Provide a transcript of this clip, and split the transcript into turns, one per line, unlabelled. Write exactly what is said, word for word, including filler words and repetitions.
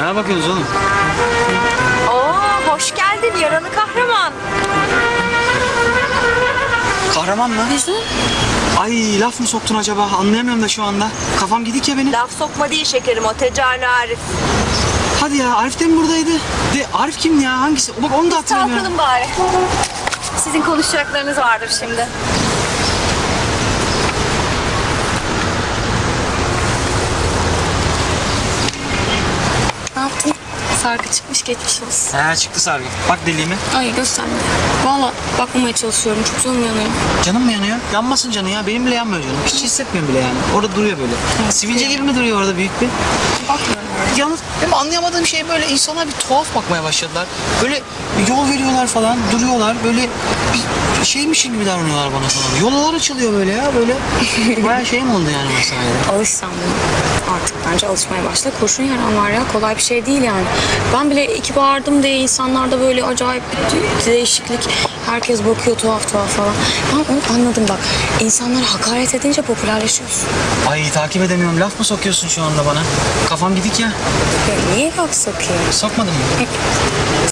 Ne bakıyorsunuz oğlum?
Oo, hoş geldin yaralı kahraman.
Kahraman mı?
Bizim?
Ay laf mı soktun acaba? Anlayamıyorum da şu anda. Kafam gidik ya benim.
Laf sokma değil şekerim, o Tecani Arif.
Hadi ya, Arif de mi buradaydı? De Arif kim ya? Hangisi? Bak onu da hatırlamıyorum.
Kalkalım bari. Sizin konuşacaklarınız vardır şimdi.
Ne yaptın? Sargı çıkmış, geçmiş olsun.
He çıktı sargı. Bak deliğime.
Ay gösterme. Valla bakmamaya çalışıyorum. Çok canım yanıyor.
Canım mı yanıyor? Yanmasın canı ya. Benim bile yanmıyor canım. Hiç hissetmiyorum bile yani. Orada duruyor böyle. Sivilce gibi mi duruyor orada büyük bir?
Bakmıyorum.
Yalnız benim anlayamadığım şey böyle insanlar bir tuhaf bakmaya başladılar. Böyle yol veriyorlar falan, duruyorlar. Böyle bir şeymişim gibi davranıyorlar bana falan. Yollar açılıyor böyle ya böyle. Bayağı şey mi oldu yani mesela?
Alış sen buna. Artık bence alışmaya başla. Kurşun yaran var ya. Kolay bir şey değil yani. Ben bile iki bağırdım diye insanlarda böyle acayip bir değişiklik. Herkes bakıyor tuhaf tuhaf falan. Ben onu anladım bak. İnsanlara hakaret edince popülerleşiyorsun.
Ay takip edemiyorum. Laf mı sokuyorsun şu anda bana? Kafam gidik ya.
Ya niye laf sokuyorsun?
Sokmadın mı?